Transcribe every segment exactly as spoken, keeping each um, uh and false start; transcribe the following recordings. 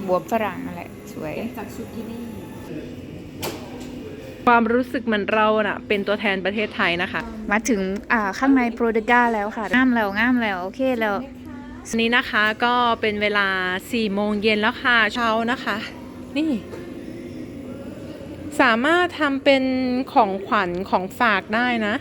บวบฝรั่งอะไรสวยจากซูกินี่ความรู้สึกเหมือนเราน่ะเป็นตัวแทนประเทศไทยนะคะมาถึงอ่าข้างในโปรเดก้าแล้วค่ะงามแล้วงามแล้วโอเคแล้ววันนี้นะคะก็เป็นเวลาสี่โมงเย็นแล้วค่ะเช้านะคะนี่สามารถทำเป็นของขวัญของฝากได้นะ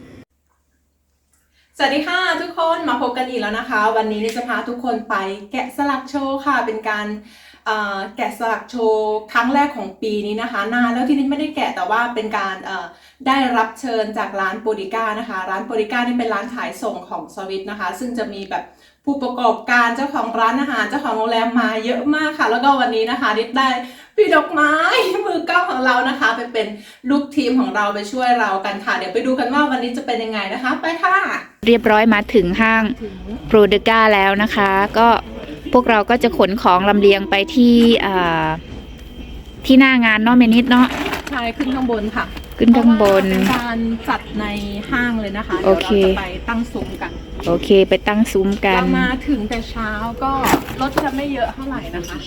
สวัสดีค่ะทุกคนมาพบกันอีกแล้วนะคะวันนี้จะพาทุกคนไปแกะสลักโชว์ค่ะเป็นการแกะสลักโชว์ครั้งแรกของปีนี้นะคะนานแล้วที่นี่ไม่ได้แกะแต่ว่าเป็นการได้รับเชิญจากร้านโปรดิก้านะคะร้านโปรดิก้านี่เป็นร้านขายส่งของสวิตนะคะซึ่งจะมีแบบผู้ประกอบการเจ้าของร้านอาหารเจ้าของโรงแรมมาเยอะมากค่ะแล้วก็วันนี้นะคะนิดได้พี่ดอกไม้มือกล้องของเรานะคะไปเป็นลูกทีมของเราไปช่วยเรากันค่ะเดี๋ยวไปดูกันว่าวันนี้จะเป็นยังไงนะคะไปค่ะเรียบร้อยมาถึงห้างโปรเดก้าแล้วนะคะก็พวกเราก็จะขนของลำเลียงไปที่ที่หน้างานเนาะเมนิดเนาะใช่ขึ้นข้างบนค่ะขึ้นข้างบนเป็นการจัดในห้างเลยนะคะเดี๋ยวเราจะไปตั้งซุ้มกันโอเคไปตั้งซุ้มกันเรามาถึงแต่เช้าก็รถจะไม่เยอะเท่าไหร่นะคะ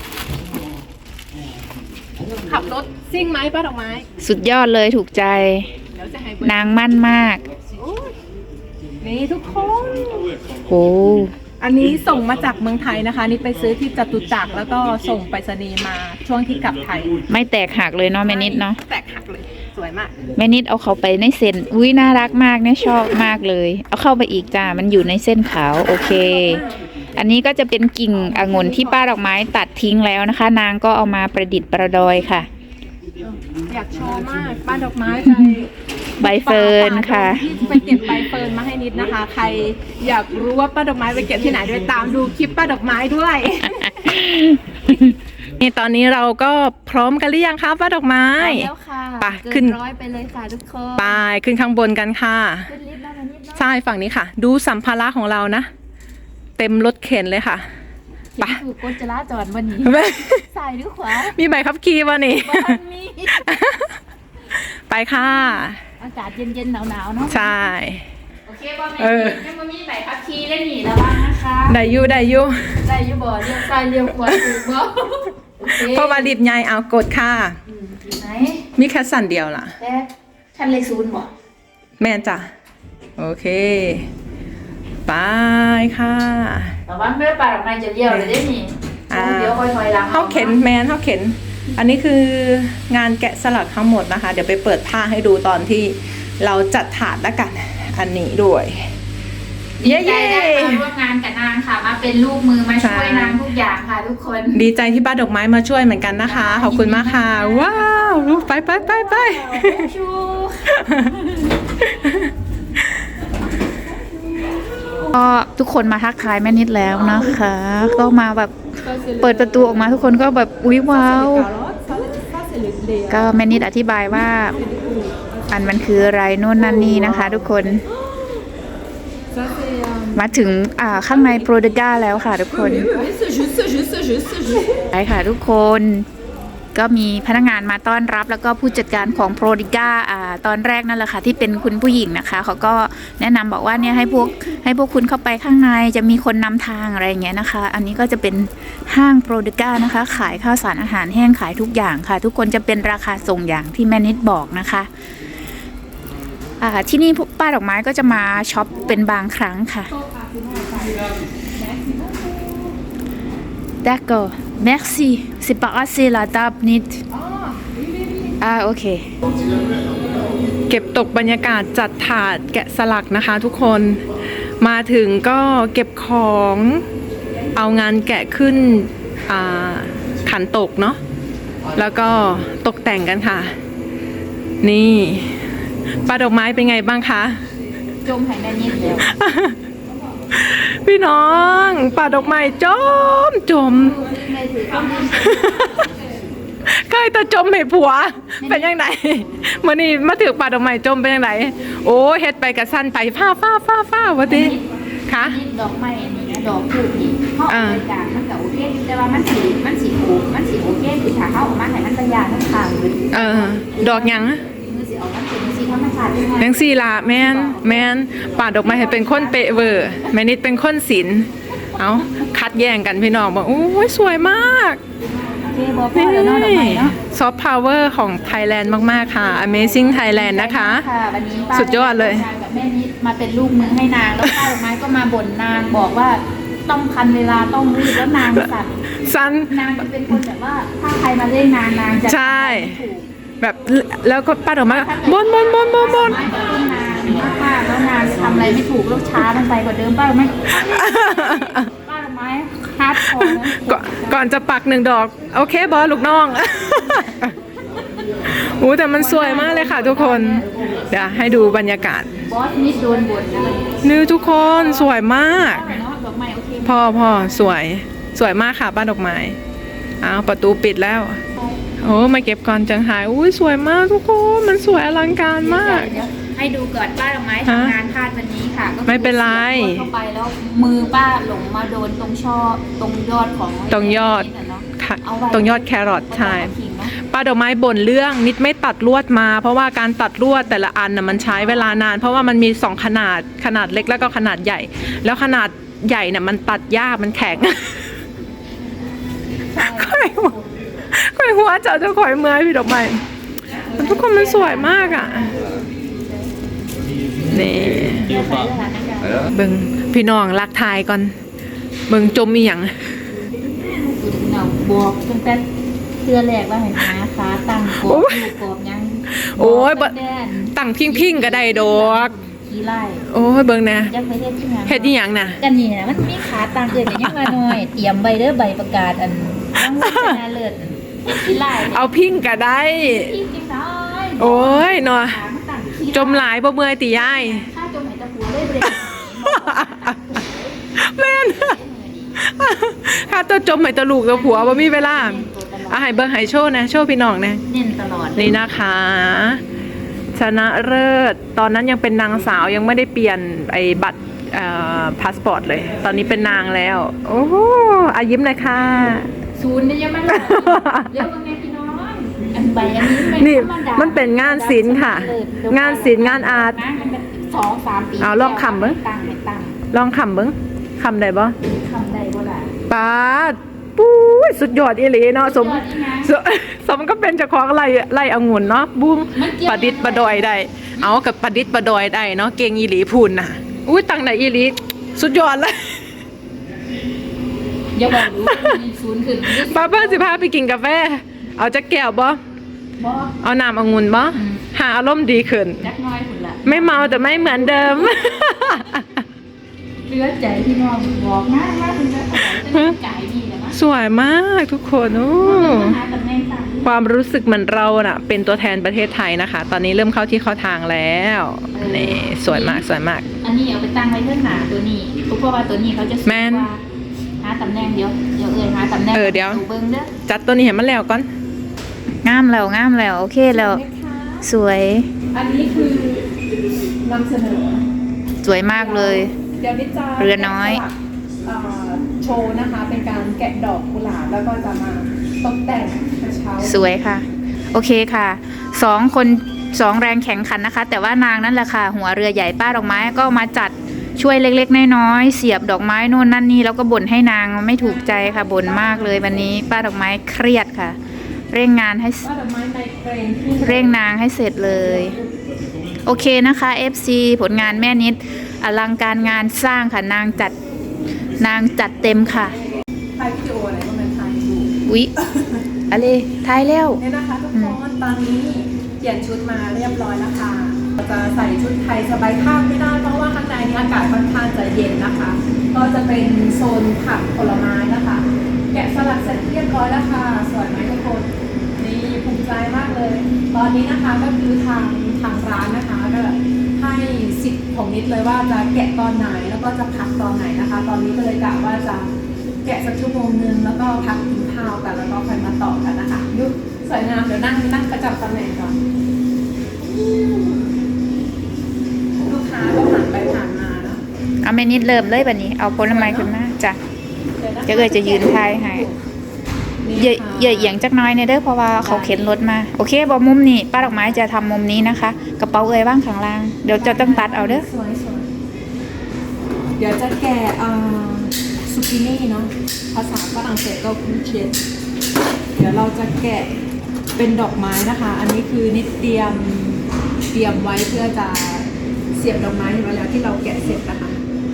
ขับรถซิ่งไหมป้าดอกไม้สุดยอดเลยถูกใจนางมั่นมากนี่ทุกคนโอ้อันนี้ส่งมาจากเมืองไทยนะคะนี่ไปซื้อที่จตุจักรแล้วก็ส่งไปรษณีย์มาช่วงที่กลับไทยไม่แตกหักเลยเนาะแม่นิดเนาะแตกหักเลยสวยมากแม่นิดเอาเขาไปในเส้นอุ้ยน่ารักมากเนี่ยชอบมากเลยเอาเข้าไปอีกจ้ามันอยู่ในเส้นขาวโอเคอันนี้ก็จะเป็นกิ่งองุ่นที่ป้าดอกไม้ตัดทิ้งแล้วนะคะนางก็เอามาประดิษฐ์ประดอยค่ะอยากโชว์มากป้าดอกไม้ใจใบเฟิร์นค่ะไปเก็บใบเฟิร์นมาให้นิดนะคะใครอยากรู้ว่าป้าดอกไม้ไปเก็บที่ไหนด้วยตามดูคลิปป้าดอกไม้ด้วยนี่ตอนนี้เราก็พร้อมกันหรือยังคะป้าดอกไม้แล้วค่ะไปขึ้นร้อยไปเลยค่ะทุกคนไปขึ้นข้างบนกันค่ะใช่ฝั่งนี้ค่ะดูสัมภาระของเรานะเต็มรถเข็นเลยค่ะไปคือกฎจราจรวันนี้ซ้ายหรือขวามีใบขับขี่วันนี้มีไปค่ะอากาศเย็นๆหนาวๆเนาะใช่โอเคบ่แม่ยังบ่มีใบขับขี่เล่นหนีระวังนะคะได้อยู่ได้อยู่ได้อยู่บ่เลี้ยวซ้ายเลี้ยวขวาถูกบ่เพราะว่าดิบใหญ่เอากดค่ะไหนมีแค่สั่นเดียวล่ะแต่คันเลขศูนย์บ่แม่จ้ะโอเคไปค่ะระวังเด้อป่าดอกไม้จะเลี้ยวเลยได้นี่เดี๋ยวค่อยถอยหลังเฮาเข็นแมนเฮาเข็นอันนี้คืองานแกะสลักทั้งหมดนะคะเดี๋ยวไปเปิดผ้าให้ดูตอนที่เราจัดถาดแล้วกันอันนี้ด้วยเย้ๆได้มาร่วมงานกับนางค่ะมาเป็นลูกมือมาช่วยนางทุกอย่างค่ะทุกคนดีใจที่ป้าดอกไม้มาช่วยเหมือนกันนะคะขอบคุณมากค่ะว้าวไปไปไปไปก็ทุกคนมาทักทายแม่นิดแล้วนะคะก็มาแบบเปิดประตูออกมาทุกคนก็แบบอุ๊ยว้าวก็แม่นิดอธิบายว่าอันมันคืออะไรโน่นนั่นนี่นะคะทุกคนมาถึงอ่าข้างในโปรเดก้าแล้วค่ะทุกคนใช่ค่ะทุกคนก็มีพนักงานมาต้อนรับแล้วก็ผู้จัดการของโปรดิก้าอ่าตอนแรกนั่นแหละค่ะที่เป็นคุณผู้หญิงนะคะเขาก็แนะนำบอกว่าเนี่ยให้พวกให้พวกคุณเข้าไปข้างในจะมีคนนำทางอะไรอย่างเงี้ยนะคะอันนี้ก็จะเป็นห้างโปรดิก้านะคะขายข้าวสารอาหารแห้งขายทุกอย่างค่ะทุกคนจะเป็นราคาส่งอย่างที่แม่นิดบอกนะคะอ่าที่นี่ป้าดอกไม้ก็จะมาช็อปเป็นบางครั้งค่ะ D'accord merci c'est pas assez la table nidอ่าโอเคเก็บตกบรรยากาศจัดถาดแกะสลักนะคะทุกคนมาถึงก็เก็บของเอางานแกะขึ้นขันตกเนาะแล้วก็ตกแต่งกันค่ะนี่ป้าดอกไม้เป็นไงบ้างคะจมหายแม่นิดเดียวพี่น้องป่าดอกไม้จมจมใกล้ตะจมให้ผัวเป็นยังไงเมื่อนี้มาถึงป่าดอกไม้จมเป็นยังไงโอ้เฮ็ดไปกระสั้นไปฟ้าฟ้าฟ้าฟ้าวะดิคะดอกไม้อันนี้นะดอกผูกนี่เขาเอาไปจากมันกับโอเคแต่ว่ามันสีมันสีผูกมันสีโอเคคือถ้าเขาออกมาให้มันระยะทั้งทางเลยเออดอกยังยังสี่ละแม่นแม่นป่าดอกไม้ให้เป็นคนเปะเวอร์แม่นิดเป็นคนศิลป์เอาคัดแย่งกันพี่น้องบอกโอ้ยสวยมากเจ๊บอกพ่อเดี๋ยวเนาะดอกไม้เนาะซอฟต์พาวเวอร์ของไทยแลนด์มาก ๆ ค่ะ Amazing Thailand นะคะค่ะวันนี้ป้าสุดยอดเลยนางกับแม่นิดมาเป็นลูกมือให้นางแล้วป้าดอกไม้ก็มาบ่นนางบอกว่าต้องทันเวลาต้องรีบแล้วนางสั่นซันนางจะเป็นคนแบบว่าถ้าใครมาเล่นนางนางจะใช่ทำอะไรไม่ถูกแบบแล้วก็ป้าดอกไม้บนบนบนบนบนไม่กระตุ้นนางมากๆแล้วนางจะทำอะไรไม่ถูกแล้วช้าลงไปกว่าเดิมป้าดอกไม้ป้าดอกไม้ฮาร์ดคอร์นะก่อนก่อนจะปักหนึ่งดอก โอเคบอสลูกน้อง โอ้แต่มันสวยมากเลยค่ะทุกคน เดี๋ยวให้ดูบรรยากาศบอสนิดโดนบ่นนะนี่ทุกคนสวยมากเนาะดอกไม้โอเคพ่อพ่อสวยสวยมากค่ะบ้านดอกไม้อ้าวประตูปิดแล้ว โอ้มาเก็บก่อนจังหายอุ้ยสวยมากทุกคนมันสวยอลังการมากเดี๋ยวให้ดูก่อนป้าดอกไม้ฮะทำงานพลาดวันนี้ค่ะก็คือไม่เป็นไรสียบเข้าไปแล้วมือป้าหลงมาโดนตรงช่อตรงยอดของตรงยอดนี่น่ะเนาะค่ะเอาไว้ตรงยอดแครอทใช่เอาไว้ทิ้งเนาะป้าดอกไม้บ่นเรื่องนิดไม่ตัดลวดมา เพราะว่าการตัดลวดแต่ละอันน่ะมันใช้เวลานาน เพราะว่ามันมีสองขนาดขนาดเล็กแล้วก็ขนาดใหญ่ แล้วขนาดใหญ่น่ะมันตัดยากมันแข็งใช่ค่อยหัวค่อยหัวเจ้าเจ้าข่อยเมื่อยพี่ดอกไม้มันทุกคนมันสวยมากอ่ะนี่เดี๋ยวใช้เวลาในการเบิ่งพี่น้องรักทายก่อนเบิ่งจมอีหยังเนาบอกตั้งแต่เสื้อแรกว่าเห็นไหมคะตั้งกรอบลูกกรอบยังโอ้ยบบ่อกตั้งแต่ตั้งพิงพิงๆก็ได้ดอกขี้ไล่โอ้ยเบิ่งนะยักไปเฮ็ดที่งานเฮ็ดอีหยังน่ะกันนี่นะมันมีขาต่างเกินกันยังมาหน่อย เตรียมใบเด้อใบประกาศอันรางวัลชนะเลิศขี้ไล่เอาพิงก็ได้ที่จริงได้โอ้ยเนาะขามันต่างขี้ไล่จมหลายบ่เมื่อยติยายถ้าจมไหนจะหัวได้เบรกแม่น ถ้าตัวจมให้ตะลูกตัวผัวบ่มีเวลาอ่ะให้เบิ่งให้โชว์นะโชว์พี่น้องนะเน้นตลอดนี่นะคะ ชนะเลิศตอนนั้นยังเป็นนางสาวยังไม่ได้เปลี่ยนไอ้บัตรเอ่อพาสปอร์ตเลย ตอนนี้เป็นนางแล้ว โอ้โหอายิ้มเลยค่ะศูนย์เนี่ยยังไม่หลอกเรียกว่าไงพี่น้องอันใบอันนี้ไม่นี่ธรรดามันเป็นงานศิลป์ค่ะงานศิลป์งานอาร์ตนะมันเป็นสองสามปีเอาลองคำเบิ่งตั้งไม่ตั้งลองคำเบิ้งคำได้บ่คำใดบ่ล่ะปาดปุ้ยสุดยอดอีหลีเนาะสมสุดยอดอีหยังสมสมก็เป็นเจ้าของไร่ไร่องุ่นเนาะบุ้งมันเกี่ยวประดิษฐ์ประดอยได้ เอากับประดิษฐ์ประดอยได้เนาะเก่งอีหลีพูนน่ะอุ้ยตั้งไหนอีหลีสุดยอดเลยอย่าบอกรู้ว่ามีศูนย์ขึ้นป้าเปิ้ลสิพาไปกินกาแฟ เอาจักแก้วบ่บ่เอาน้ำองุ่นบ่อืมหาอารมณ์ดีขึ้นจักน้อยพุ่นล่ะไม่เมาแต่ไม่เหมือนเดิมเหลือใจพี่น้องบอกมากว่าคุณจะถวายจะได้จ่ายดีแล้วมั้งสวยมากทุกคนโอ้หาตำแหน่งต่างความรู้สึกเหมือนเราน่ะ เป็นตัวแทนประเทศไทยนะคะ ตอนนี้เริ่มเข้าที่เข้าทางแล้วนี่สวยมากสวยมากอันนี้เอาไปตั้งไว้เพื่อนหนาตัวนี้เพราะว่าตัวนี้เขาจะสูงแม่นกว่าหาตำแหน่งเดี๋ยวเดี๋ยวเอ่ยหาตำแหน่งเออเดี๋ยวเบิ้งเด้อจัดตัวนี้เห็นมันแล้วก่อนงามแล้วงามแล้วโอเคแล้วสวยอันนี้คือนำเสนอสวยมากเลยเดี๋ยวนิดจะเรือน้อยแกะสลักเอ่อโชว์นะคะ เป็นการแกะดอกกุหลาบแล้วก็จะมาตกแต่งกระเช้าสวยค่ะ โอเคค่ะสองคนสองแรงแข่งขันนะคะ แต่ว่านางนั่นแหละค่ะ หัวเรือใหญ่ป้าดอกไม้ก็มาจัดช่วยเล็กๆน้อยๆเสียบดอกไม้โน่นนั่นนี่แล้วก็บ่นให้นางไม่ถูกใจค่ะบ่นมากเลยวันนี้ป้าดอกไม้เครียดค่ะ เร่งงานให้ว่าดอกไม้ไมเกรนที่เร่งนางให้เสร็จเลย โอเคนะคะ เอฟ ซี ผลงานแม่นิดอลังการงานสร้างค่ะนางจัดนางจัดเต็มค่ะถ่ายวิดีโออะไรก็มันถ่ายอยู่อุ๊ยอะไรทายแล้วเนี่ยนะคะทุกคนตอนนี้เปลี่ยนชุดมาเรียบร้อยแล้วค่ะเราจะใส่ชุดไทยสบายข้างไม่ได้เพราะว่าข้างในนี้อากาศค่อนข้างจะเย็นนะคะ ก็จะเป็นโซนผักผลไม้นะคะ แกะสลักเสร็จเรียบร้อยแล้วค่ะสวยไหมทุกคนนี่ภูมิใจมากเลย ตอนนี้นะคะก็คือทางทางร้านนะคะก็ให้สิทธิ์ของนิดเลยว่าจะแกะตอนไหนแล้วก็จะพักตอนไหนนะคะ ตอนนี้ก็เลยกะว่าจะแกะสักชั่วโมงนึงแล้วก็พักกินข้าวกันแล้วก็ค่อยมาต่อกันนะคะยุสวยงามเดี๋ยวนั่งนั่งประจำตำแหน่งก่อนลูกค้าก็ผ่านไปผ่านมาเนาะเอาแม่นิดเริ่มเลยแบบนี้เอาผลไม้ขึ้นมาจ้ะดี๋วนะคะจะเอ่ยจะยืนทายให้ เยอะเยอะเอียงจักหน้อยเนี่ยเด้อเพราะว่าเขาเข็นรถมาโอเคบอมุมนี้ป้าดอกไม้จะทำมุมนี้นะคะกระเป๋าเอ่ยว่างข้างล่างเดี๋ยวจะต้องตัดเอาเด้อสวยสวยเดี๋ยวจะแกะเอ่อสุกินี่เนาะภาษาฝรั่งเศสก็คูเชตเดี๋ยวเราจะแกะเป็นดอกไม้นะคะ อันนี้คือนิดเตรียมเตรียมไว้เพื่อจะเสียบดอกไม้เวลาที่เราแกะเสร็จนะคะ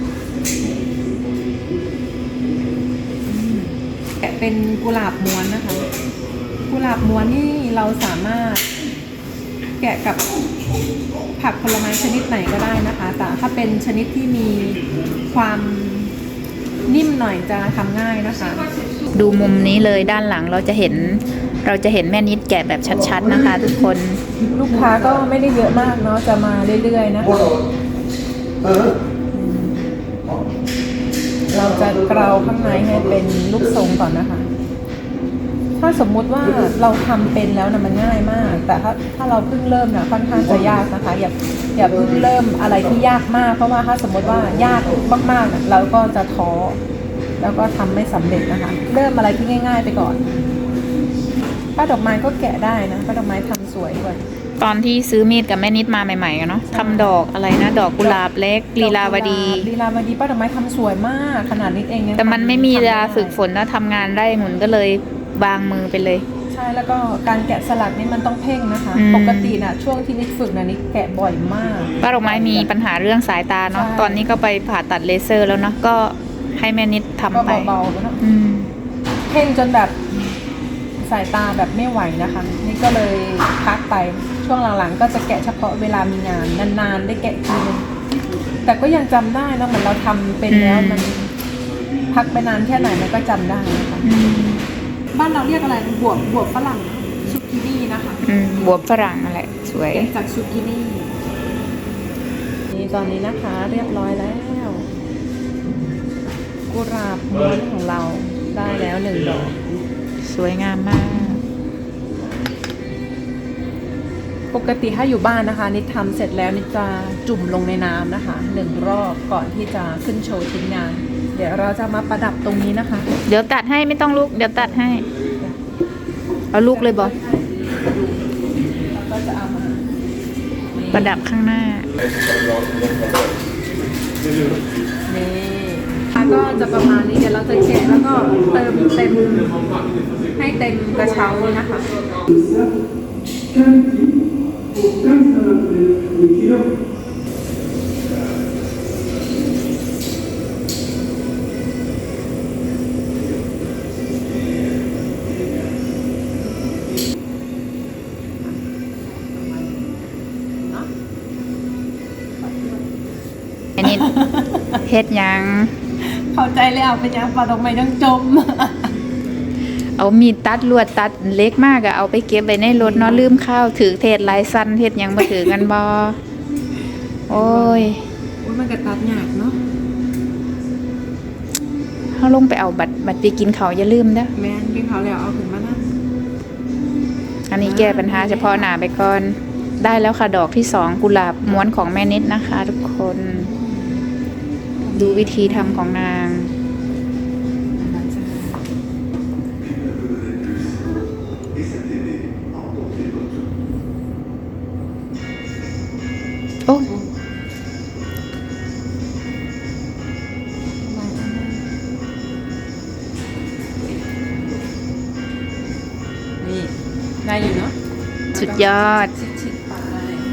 แกะเป็นกุหลาบม้วนนะคะกุหลาบม้วนนี่เราสามารถแกะกับผักผลไม้ชนิดไหนก็ได้นะคะแต่ถ้าเป็นชนิดที่มีความนิ่มหน่อยจะทำง่ายนะคะดูมุมนี้เลยด้านหลังเราจะเห็นเราจะเห็นแม่นิดแกะแบบชัดๆนะคะ ทุกคนลูกค้าก็ไม่ได้เยอะมากเนาะจะมาเรื่อยๆนะคะเราจะเกลาข้างในให้เป็นรูปทรงก่อนนะคะ ถ้าสมมุติว่าเราทำเป็นแล้วนะมันง่ายมาก แต่ถ้าถ้าเราเพิ่งเริ่มนะค่อนข้างจะยากนะคะอย่าอย่าเพิ่งเริ่มอะไรที่ยากมากเพราะว่าถ้าสมมติว่ายากมากๆนะเราก็จะท้อแล้วก็ทำไม่สำเร็จนะคะ เริ่มอะไรที่ง่าย ๆ ไปก่อนป้าดอกไม้ก็แกะได้นะป้าดอกไม้ทำสวยด้วยตอนที่ซื้อมีดกับแม่นิดมาใหม่ๆกันเนาะทำดอกอะไรนะดอกกุหลาบเล็กลีลาวดีลีลาวดีป้าดอกไม้ทำสวยมากขนาดนี้เองยังแต่มันไม่มีเวลาทำด้ฝึกฝนแล้วทำงานได้หมุนก็เลยบางมือไปเลยใช่แล้วก็การแกะสลักนี่มันต้องเพ่งนะคะอืมปกติน่ะช่วงที่นิดฝึกน่ะนิดแกะบ่อยมากป้าดอกไม้มีปัญหาเรื่องสายตาเนาะใช่ตอนนี้ก็ไปผ่าตัดเลเซอร์แล้วเนาะก็ให้แม่นิดทำก็ไปเบาๆแล้วนะอืมเพ่งจนแบบสายตาแบบไม่ไหวนะคะ นี่ก็เลยพักไปช่วงหลังๆ ก็จะแกะเฉพาะเวลามีงานนานๆได้แกะทีนึงแต่ก็ยังจำได้นะเหมือนเราทำเป็นแล้วอืมมันพักไปนานแค่ไหนมันก็จำได้นะคะอืมบ้านเราเรียกอะไรบวบบวบฝรั่งซุกินี่นะคะอืมบวบฝรั่งนั่นแหละสวยแกะจากซุกินี่นี่ตอนนี้นะคะเรียบร้อยแล้วกุหลาบม้วนของเราได้แล้วหนึ่งดอกสวยงามมากปกติถ้าอยู่บ้านนะคะนิดทำเสร็จแล้วนิดจะจุ่มลงในน้ำนะคะหนึ่งรอบก่อนที่จะขึ้นโชว์ชิ้นงาน เดี๋ยวเราจะมาประดับตรงนี้นะคะเดี๋ยวตัดให้ไม่ต้องลูกเดี๋ยวตัดให้ เอาลูกเลยบอแล้วก็จะเอามาประดับข้างหน้านี่แล้วก็จะประมาณนี้เดี๋ยวเราจะเช็ดแล้วก็เติมเต็มให้เต็มกระเช้าเลยนะคะอันนี้ เฮ็ดหยังเข้าใจแล้วเป็นยังปลาดอกไม้ต้องจมเอามีดตัดลวดตัดเล็กมากอะเอาไปเก็บไว้ในรถเนาะลืมข้าวถือเทศลายสั้นเทศหยังมาถือกันบอโอ้ยอุ้ยมันกระตัดหยาบเนาะเขาลงไปเอาบัตรบัตรไปกินเขาวอย่าลืมเด้อแม่นกินเขาแล้วเอาขึ้นมานะอันนี้แก้ปัญหาเฉพาะหน้าไปก่อน ได้แล้วค่ะดอกที่สองกุหลาบม้วนของแม่นิดนะคะ ทุกคน ดูวิธีทำของนาง โอ้นี่ได้อยู่เนาะสุดยอดชิดๆไป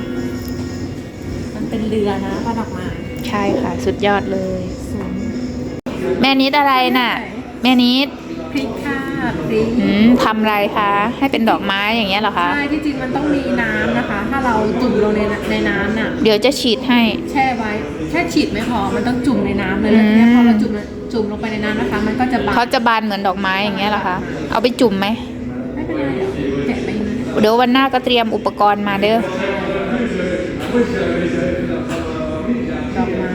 มันเป็นเรือนะปลาดอกไม้ใช่ค่ะ สุดยอดเลยสวยแม่นิดอะไรน่ะ แม่นิดพริกค่ะพริกอืมทำอะไรคะ ให้เป็นดอกไม้อย่างเงี้ยเหรอคะใช่ที่จริงมันต้องมีน้ำนะคะ ถ้าเราจุ่มลงในในน้ำน่ะเดี๋ยวจะฉีดให้แช่ไว้แค่ฉีดไม่พอมันต้องจุ่มในน้ำเลยอืมเนี่ยพอเราจุ่มจุ่มลงไปในน้ำนะคะ มันก็จะบานเขาจะบานเหมือนดอกไม้อย่างเงี้ยเหรอคะ เอาไปจุ่มไหมไม่เป็นไรเดี๋ยวแกะไปอย่างนี้เดี๋ยววันหน้าก็เตรียมอุปกรณ์มาเด้อดอกไม้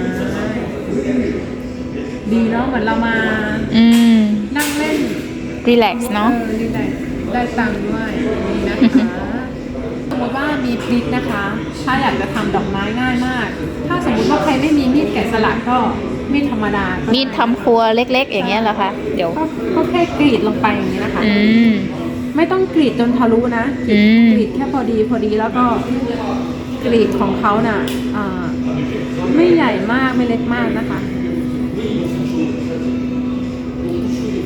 ดีเนาะเหมือนเรามาอืมนั่งเล่นรีแลกซ์เนาะออดีได้ได้ตังค์ด้วยนี่นะคะสมมติว่ามีพริกนะคะ ถ้าอยากจะทำดอกไม้ง่ายมาก ถ้าสมมติว่าใครไม่มีมีดแกะสลักก็มีดธรรมดาก็มีดทำครัวเล็กๆ อย่างเงี้ยเหรอคะ เดี๋ยวก็ก็แค่กรีดลงไปอย่างนี้นะคะอืมไม่ต้องกรีดจนทะลุนะอืมกรีดแค่พอดีพอดีแล้วก็กรีดของเขาน่ะอ่าไม่ใหญ่มากไม่เล็กมากนะคะ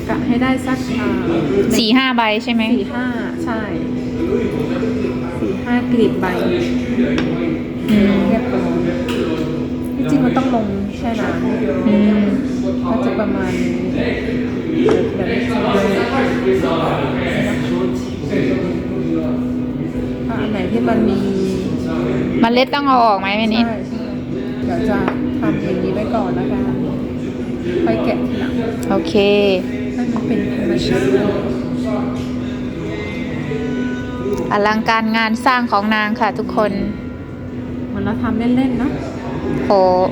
กะให้ได้สักอ่าสี่ห้าใบใช่ไหมสี่ห้าใช่สี่ห้ากลีบใบอืมเรียบร้อยที่จริงมันต้องลงแช่น้ำอืมก็จะประมาณนี้เดี๋ยวเดี๋ยวจะถ้าอันไหนที่มันมีเมล็ดต้องเอาออกไหมแม่นิดใช่ใช่เดี๋ยวจะทำอย่างนี้ไว้ก่อนแล้วกันไปแกะทีหลังโอเคให้มันเป็นธรรมชาติอลังการงานสร้างของนางค่ะทุกคนเหมือนเราทำเล่นๆเนาะโห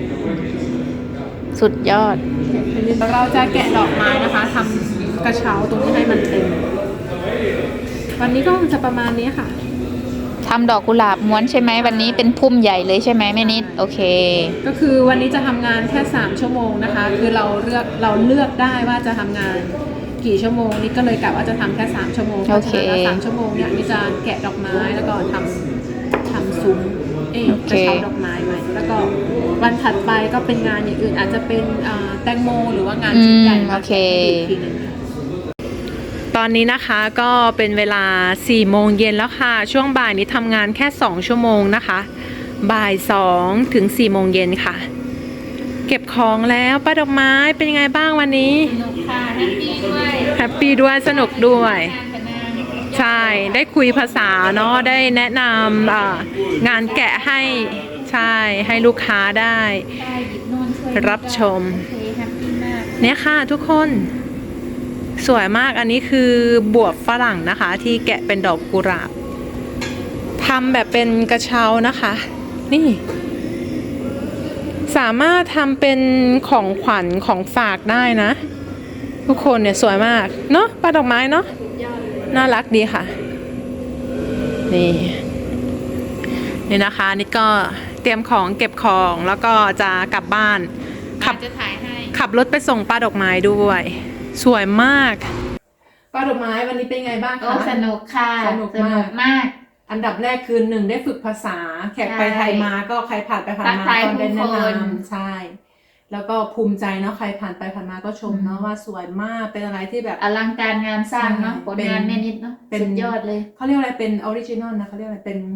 สุดยอดเราจะแกะดอกไม้นะคะทำกระเช้าตรงนี้ให้มันเต็ม วันนี้ก็จะประมาณนี้ค่ะทำดอกกุหลาบม้วนใช่ไหมวันนี้เป็นพุ่มใหญ่เลยใช่ไหมแม่นิด โอเคก็คือวันนี้จะทำงานแค่สามชั่วโมงนะคะ คือเราเลือกเราเลือกได้ว่าจะทำงานกี่ชั่วโมงนี่ก็เลยกะว่าจะทำแค่สามชั่วโมงโอเคพราะฉะนั้นสามชั่วโมงเนี่ยนี่จะแกะดอกไม้แล้วก็ทำทำซุ้มเอ๊ะโอก เคระเช้าดอกไม้ไว้แล้วก็วันถัดไปก็เป็นงานอย่างอื่นอาจจะเป็นอ่าแตงโมหรือว่างานอืชิ้นมใหญ่โอเคอีกทีหนึง ตอนนี้นะคะก็เป็นเวลาสี่โมงเย็นแล้วค่ะช่วงบ่ายนี้ทำงานแค่สองชั่วโมงนะคะบ่ายสองถึงสี่โมงเย็นค่ะ เก็บของแล้วป้าดอกไม้เป็นยังไงบ้างวันนี้สนุกค่ะแฮปปี้ด้วยแฮปปี้ด้วยสนุกด้วยใช่ได้คุยภาษาเนาะได้แนะนำอ่างานแกะให้ใช่ให้ลูกค้าได้ได้หยิบโน่นช่วยรับชมโอเคแฮปปี้มากเนี่ยค่ะทุกคนสวยมากอันนี้คือบวบฝรั่งนะคะที่แกะเป็นดอกกุหลาบทำแบบเป็นกระเช้านะคะ นี่ สามารถทำเป็นของขวัญของฝากได้นะ ทุกคนเนี่ยสวยมากเนาะป้าดอกไม้เนาะน่ารักดีค่ะ นี่ นี่นะคะนี่ก็เตรียมของเก็บของแล้วก็จะกลับบ้านขับจะถ่ายให้ขับรถไปส่งป้าดอกไม้ด้วย สวยมากป้าดอกไม้วันนี้เป็นไงบ้างโอ้คะสนุกค่ะสนุกมากมากอันดับแรกคือหนึ่งได้ฝึกภาษา แขกไปไทยมาก็ใครผ่านไปผ่านมาทักทายก็ได้แนะผู้คนนำใช่ แล้วก็ภูมิใจเนาะใครผ่านไปผ่านมาก็ชมเนาะว่าสวยมากเป็นอะไรที่แบบอลังการงานสร้างเนาะใช่ผลงานแม่นิดเนาะเป็นสุดยอดเลยเขาเรียกอะไรเป็นออริจินอลนะเขาเรียกอะไรเป็น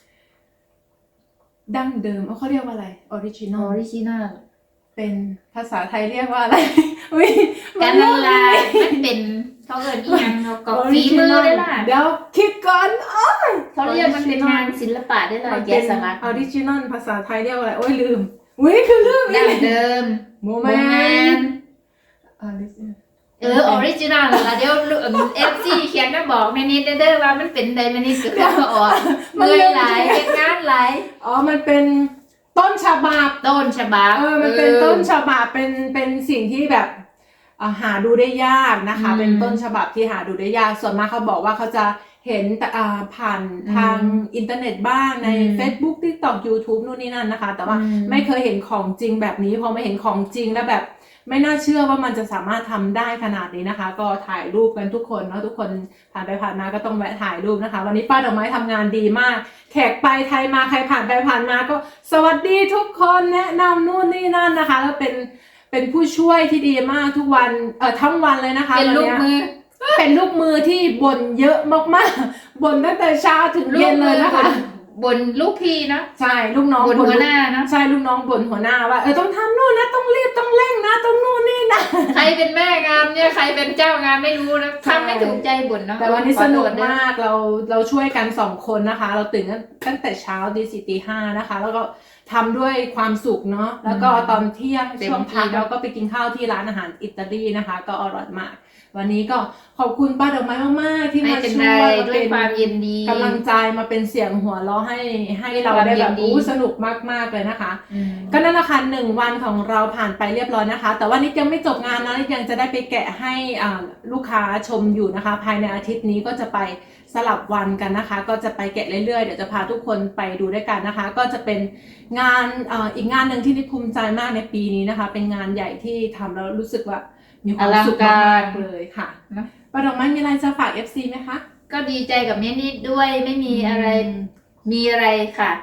ดั้งเดิมเอ้าเขาเรียกว่าอะไรออริจินอออลริจินัลเป็นภาษาไทยเรียกว่าอะไร อุ๊ยการละลายมันเป็นเขาเอินอีหยังเราก็ฝีมือได้ล่ะเดี๋ยวคิดก่อนอ๋อเขาเรียกมันเป็นงานศิลปะได้ล่ะมันแกะเป็นสลักออริจินอลภาษาไทยเรียกว่าอะไรโอ้ยลืมอุ้ยคือลืมดั้งเดิมโมโมเมเมนนต์ต์ออริจินอลเออออริจินัลล่ะเดี๋ยวเอฟซีเขียนมาบอกแม่นิดเด้อว่ามันเป็นใดแม่นิดก็คือออกเมื่อยหลายเป็นงานหลายอ๋อมันเป็นต้นฉบับต้นฉบับเออมันเป็นต้นฉบับเป็นเป็นสิ่งที่แบบอ่าหาดูได้ยากนะคะ เป็นต้นฉบับที่หาดูได้ยากส่วนมากเขาบอกว่าเขาจะเห็นแต่อ่าผ่านทางอินเทอร์เน็ตบ้างใน Facebook TikTok YouTube นู่นนี่นั่นนะคะ แต่ว่าไม่เคยเห็นของจริงแบบนี้พอมาเห็นของจริงแล้วแบบไม่น่าเชื่อว่ามันจะสามารถทำได้ขนาดนี้นะคะ ก็ถ่ายรูปกันทุกคนเนาะทุกคนผ่านไปผ่านมาก็ต้องแวะถ่ายรูปนะคะ วันนี้ป้าดอกไม้ทำงานดีมาก แขกไปไทยมาใครผ่านไปผ่านมาก็สวัสดีทุกคนแนะนำนู่นนี่นั่นนะคะแล้วเป็นเป็นผู้ช่วยที่ดีมากทุกวันเอ่อทั้งวันเลยนะคะเป็นลูกมือเป็นลูกมือที่บ่นเยอะมากๆบ่นตั้งแต่เช้าถึงเย็นเลยนะคะบนลูกพี่เนาะใช่ลูกน้องบนหัวหน้าเนาะใช่ลูกน้องบ่นหัวหน้าว่าเออต้องทำนู่นนะต้องรีบต้องเร่งนะต้องนู่นนี่นะใครเป็นแม่งานเนี่ยใครเป็นเจ้างานไม่รู้นะใช่ทำไม่ถูกใจบ่นเนาะแต่วันนี้สนุกขอโทษด้วยมากเราเราช่วยกันสองคนนะคะ เราตื่นกันตั้งแต่เช้าตีสี่ตีห้านะคะ แล้วก็ทำด้วยความสุขเนาะแล้วก็ตอนเที่ยงช่วงพักเราก็ไปกินข้าวที่ร้านอาหารอิตาลีนะคะ ก็อร่อยมาก วันนี้ก็ขอบคุณป้าดอกไม้มากๆที่ไม่มาเป็นช่ไรวยด้วยความเย็นดีกำลังใจมาเป็นเสียงหัวเราะให้ให้เราได้แบบอู้สนุกมากๆเลยนะคะอืมก็นั่นแหละค่ะหนึ่งวันของเราผ่านไปเรียบร้อยนะคะ แต่ว่านิดยังไม่จบงานนะนิดยังจะได้ไปแกะให้อ่าลูกค้าชมอยู่นะคะ ภายในอาทิตย์นี้ก็จะไปสลับวันกันนะคะ ก็จะไปแกะเรื่อยๆเดี๋ยวจะพาทุกคนไปดูด้วยกันนะคะ ก็จะเป็นงานอ่าอีกงานหนึ่งที่นิดภูมิใจมากในปีนี้นะคะ เป็นงานใหญ่ที่ทำแล้วรู้สึกว่ามีความสุขมากๆเลยค่ะป้าดอกไม้มีอะไรจะฝาก เอฟ ซี ไหมคะก็ดีใจกับแม่นิดด้วยไม่มีอะไรมีอะไรค่ะ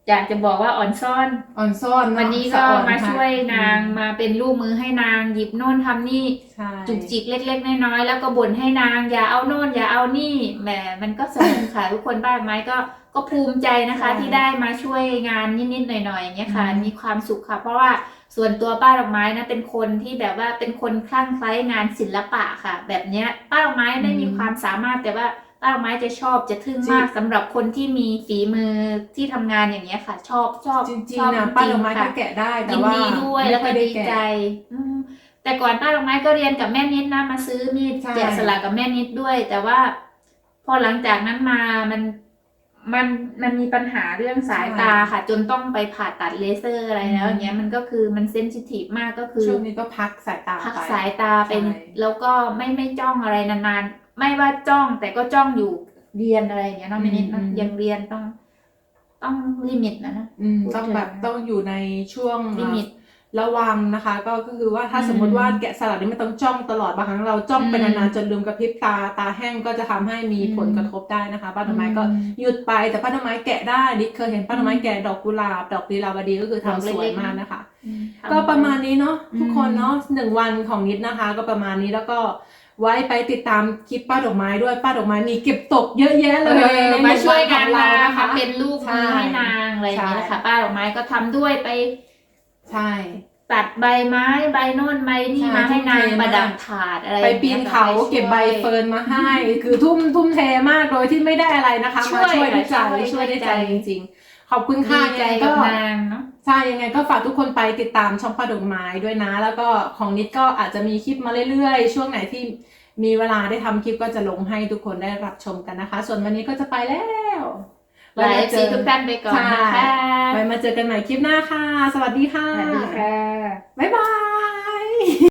อยากจะบอกว่าอ่อนซ่อนอ่อนซ่อนเอะวันนี้ก็สะอ่อนมาค่ะช่วยนางอืมมาเป็นลูกมือให้นางหยิบโน่นทำนี่ใช่จุกจิกเล็กๆน้อยๆแล้วก็บ่นให้นางอย่าเอาโน่นอย่าเอานี่แหมมันก็สนุกค่ะ ทุกคนบ้านไม้ก็ก็ภูมิใจนะคะ ที่ได้มาช่วยงานนิดๆหน่อยๆอย่างเงี้ยค่ะมีความสุขค่ะ เพราะว่าส่วนตัวป้าดอกไม้นะเป็นคนที่แบบว่าเป็นคนคลั่งไคล้งานศิลปะค่ะ แบบเนี้ยป้าดอกไม้ไม่มีความสามารถแต่ว่าป้าดอกไม้จะชอบจะทึ่งมากสำหรับคนที่มีฝีมือที่ทำงานอย่างเงี้ยค่ะ ชอบชอบจริงชอบๆนะจป้าริดอกงไม้ๆก็ค่ะแกะได้แต่ยินว่าดีด้วยไม่แล้วค่ก็อยได้ดีแกะใจอืมแต่ก่อนป้าดอกไม้ก็เรียนกับแม่นิดนะมาซื้อมีดใช่แกะสลักกับแม่นิดด้วย แต่ว่า พอหลังจากนั้นมามันมันมันมีปัญหาเรื่องสายตาค่ะ จนต้องไปผ่าตัดเลเซอร์อะไรแล้วอย่างเงี้ยมันก็คือมันเซนซิทีฟมากก็คือช่วงนี้ก็พักสายตาพักไปสายตาเป็นใช่แล้วก็ไม่ไม่จ้องอะไรนานๆไม่ว่าจ้องแต่ก็จ้องอยู่เรียนอะไรอย่างเงี้ยเนาะแม่นิดนะยังเรียนต้อง ต้องลิมิตนะนะอืมพูดต้องถึงแบบต้องอยู่ในช่วงลิมิตระวังนะคะ ก็คือว่าถ้าอืมสมมติว่าแกะสลักนี่ไม่ต้องจ้องตลอดบางครั้งเราจ้องไปอืมนานๆจนลืมกระพริบตาตาแห้งก็จะทำให้มีอืมผลกระทบได้นะคะป้าดอกไม้ก็อืมหยุดไปแต่ป้าดอกไม้แกะได้นิดเคยเห็นป้าดอกไม้แกะดอกกุหลาบดอกลีลาวดีก็คือดอกทำเล็สกๆวยมากนะนะคะอืมก็ประมาณนี้เนาะอืมทุกคนเนาะหนึ่งวันของนิดนะคะ ก็ประมาณนี้แล้วก็ไว้ไปติดตามคลิปป้าดอกไม้ด้วยป้าดอกไม้มีเก็บตกเยอะแยะเลเอย อในมาช่วยงานหนางวัของค่ะเรานะคะเป็นลูกมือให้นางอะไรอย่างเงี้ยใช่ค่ะ ป้าดอกไม้ก็ทำด้วยไปใช่ตัดใบไม้ใบโน่นใบนี่ใช่มาให้นางทุ่มเทประดับมากถาดอะไรไปปีนเขาอย่งงี้ยเก็บใบเฟิร์นมาให้ คือทุ่มทุ่มเทมากโดยที่ไม่ได้อะไรนะคะช่มาวยช่วยด้วยใจช่วยช่วยด้วยใจช่วยใจจริงๆ ขอบคุณค่ะดีใจยังไงกัก็บนางเนาะใช่ยังไงก็ฝากทุกคนไปติดตามช่องป้าดอกไม้ด้วยนะ แล้วก็ของนิดก็อาจจะมีคลิปมาเรื่อยๆ ช่วงไหนที่มีเวลาได้ทำคลิปก็จะลงให้ทุกคนได้รับชมกันนะคะ ส่วนวันนี้ก็จะไปแล้วหลายซีทุกท่านไปก่อนนะคะไว้มาเจอกันใหม่คลิปหน้าค่ะ สวัสดีค่ะสวัสดีค่ะบ๊ายบาย